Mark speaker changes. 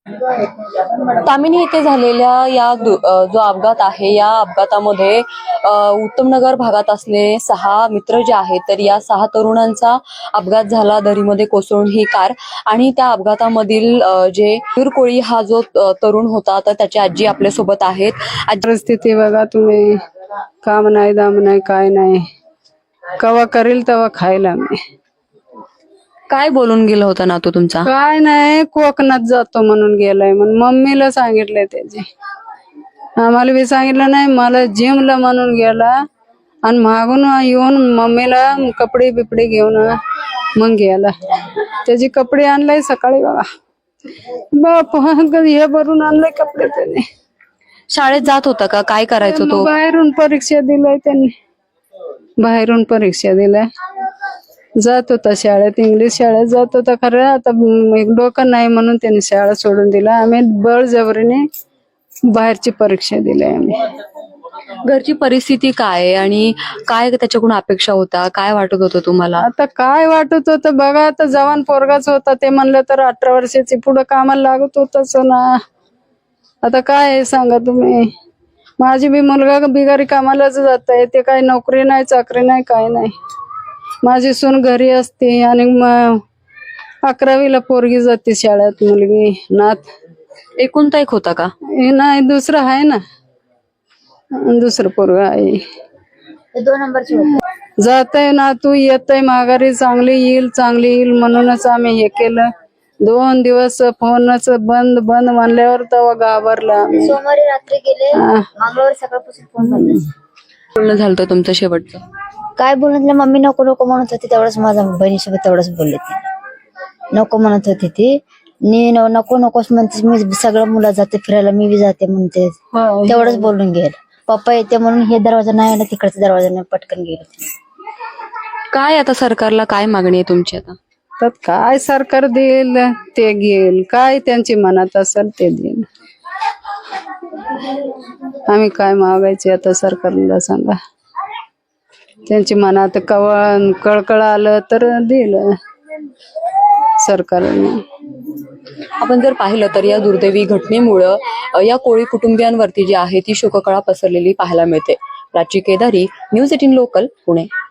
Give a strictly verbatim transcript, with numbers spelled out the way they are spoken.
Speaker 1: तामिनी येथे झालेल्या या जो अपघात आहे, या अपघातामध्ये उत्तमनगर भागात असलेले सहा मित्र जे आहेत, तर या सहा तरुणांचा अपघात झाला. दरीमध्ये कोसळून ही कार, आणि त्या अपघातामधील जे कोळी हा जो तरुण होता, तर त्याची आजी आपल्या सोबत आहेत.
Speaker 2: परिस्थिती बघा तुम्ही, काम नाही, दाम नाही, काय नाही, कवा करील तेव्हा खायला मी.
Speaker 1: काय बोलून गेला होता ना तो तुमचा?
Speaker 2: काय नाही, कोकणात जातो म्हणून गेलाय म्हणून मम्मीला सांगितलंय त्याची. आम्हाला बी सांगितलं नाही, मला जिमला म्हणून गेला आणि मागून येऊन मम्मीला कपडे बिपडे घेऊन मग गेला. त्याचे कपडे आणलाय सकाळी बघा, बाप हे भरून आणलंय कपडे त्याने.
Speaker 1: शाळेत जात होता का? काय करायचं तो?
Speaker 2: बाहेरून परीक्षा दिलाय त्यांनी, बाहेरून परीक्षा दिलाय. जात होता शाळेत, इंग्लिश शाळेत जात होता. खरं आता डोकं नाही म्हणून त्यांनी शाळा सोडून दिला. आम्ही बळजबरीने बाहेरची परीक्षा दिली आम्ही.
Speaker 1: घरची परिस्थिती काय आहे आणि काय त्याच्याकडून अपेक्षा होता? काय वाटत होतं तुम्हाला?
Speaker 2: आता काय वाटत होतं बघा, आता जवान पोरगाच होता. ते म्हणलं तर अठरा वर्षाची पुढे कामाला लागत होतच ना. आता काय आहे सांगा तुम्ही. माझी बी मुलगा बिगारी कामालाच जात आहे. ते काय नोकरी नाही, चाकरी नाही, काय नाही. माझी सून घरी असते आणि अकरावीला पोरगी जाते शाळेत मुलगी. नात
Speaker 1: एकुलता एक होता का?
Speaker 2: हे नाही, दुसरं आहे ना, दुसरं पोरग आहे.
Speaker 3: दोन नंबरची
Speaker 2: जातय ना, तू येतय माघारी, चांगली येईल चांगली येईल म्हणूनच आम्ही हे केलं. दोन दिवस फोनच बंद बंद म्हणल्यावर तेव्हा घाबरला.
Speaker 3: सोमवारी रात्री गेले, मंगळवारी सकाळपासून फोन बंद.
Speaker 1: बोलणं झालं तुमचं शेवटचं?
Speaker 3: काय बोलत मम्मी नको नको म्हणत होती, तेवढंच माझ्या बहिणीसोबत तेवढंच बोलले ती. नको म्हणत होती ती, नी नको नकोच म्हणते. मी सगळं मुलं जाते फिरायला, मी बी जाते म्हणते. तेवढंच बोलून गेल. पप्पा येते म्हणून हे दरवाजा नाही आला, तिकडचा दरवाजा नाही, पटकन गेले.
Speaker 1: काय आता सरकारला काय मागणी आहे तुमची? आता
Speaker 2: तर काय सरकार देईल ते घेईल, काय त्यांची मनात असेल ते देईल. आम्ही काय मागायचे आता सरकारला सांगा. त्यांची मनात कवळ कळकळ आलं तर देईल सरकारने.
Speaker 1: आपण जर पाहिलं तर या दुर्दैवी घटनेमुळं या कोळी कुटुंबियांवरती जी आहे ती शोककळा पसरलेली पाहायला मिळते. Prachi Kedari, news eighteen local, Pune.